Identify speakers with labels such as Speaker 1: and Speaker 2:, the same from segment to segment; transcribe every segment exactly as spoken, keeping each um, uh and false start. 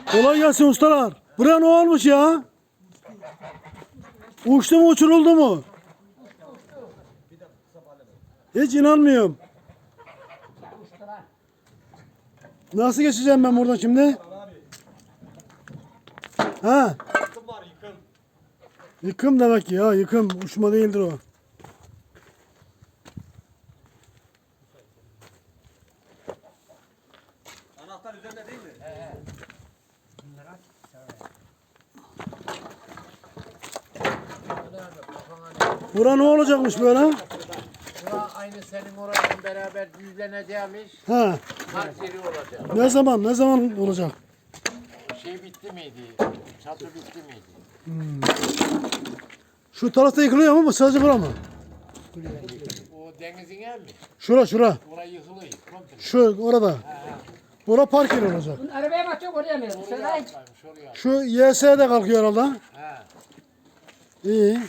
Speaker 1: Kolay gelsin ustalar. Buraya ne olmuş ya? Uçtu mu uçuruldu mu? Hiç inanmıyorum. Nasıl geçeceğim ben buradan şimdi? Ha?
Speaker 2: Yıkım var yıkım.
Speaker 1: Yıkım demek ki ya, yıkım. Uçma değildir o.
Speaker 2: Anahtar üzerinde değil mi? He he.
Speaker 1: Bura ne olacakmış böyle?
Speaker 3: Bura aynı senin orayla beraber düzleneceğimiz
Speaker 1: Ha?
Speaker 3: park yeri olacak.
Speaker 1: Ne zaman, ne zaman olacak?
Speaker 3: Şey bitti miydi? Çatı bitti miydi?
Speaker 1: Şu tarafta yıkılıyor ama sadece bura mı?
Speaker 3: O denizin ev mi?
Speaker 1: Şura, şura.
Speaker 3: Orayı yıkılıyor. Komple.
Speaker 1: Şu, orada. Bura park yeri olacak.
Speaker 4: Arabaya bakacak oraya mı?
Speaker 3: Oraya
Speaker 4: Söyle.
Speaker 3: atlaymış oraya.
Speaker 1: Şu Y S de kalkıyor herhalde.
Speaker 3: He.
Speaker 1: İyi.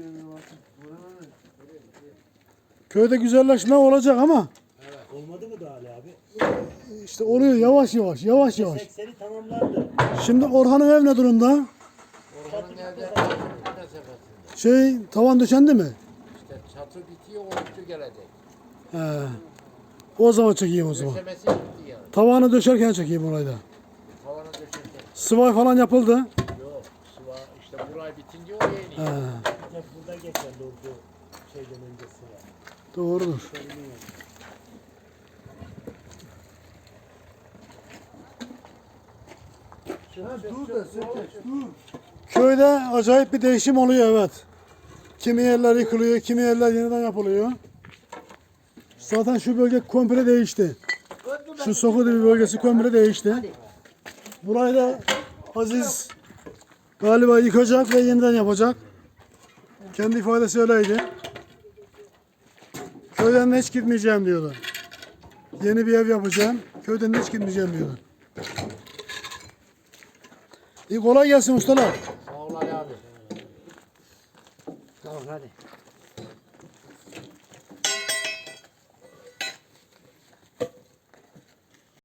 Speaker 1: Köyde güzelleşme olacak ama
Speaker 5: Olmadı mı daha Ali abi?
Speaker 1: işte oluyor yavaş yavaş, yavaş yavaş.
Speaker 5: sekseni tamamlandı.
Speaker 1: Şimdi Orhan'ın ev ne durumda?
Speaker 3: Orhan'ın evde mesafesinde.
Speaker 1: Şey, tavan döşendi mi?
Speaker 3: İşte çatı bitiyor, o üstü gelecek.
Speaker 1: He. O zaman çekeyim o zaman.
Speaker 3: Döşemesi bitti yani.
Speaker 1: Tavanı döşerken çekeyim orayı da.
Speaker 3: Tavana döşerken.
Speaker 1: Sıvay falan yapıldı.
Speaker 3: Yok. Sıva işte burayı bitince oraya iniyor.
Speaker 1: He.
Speaker 5: Bir tek burada geçerli oldu şeyden öncesi var.
Speaker 1: Doğrudur. Köyde acayip bir değişim oluyor, evet. Kimi yerler yıkılıyor, kimi yerler yeniden yapılıyor. Zaten şu bölge komple değişti. Şu Sokudibi bölgesi komple değişti. Burayı da Aziz galiba yıkacak ve yeniden yapacak. Kendi ifadesi öyleydi. Köyden de hiç gitmeyeceğim diyordu. Yeni bir ev yapacağım. Köyden de hiç gitmeyeceğim diyordu. İyi, kolay gelsin ustalar.
Speaker 3: Sağ ol Ali abi.
Speaker 4: Tamam hadi.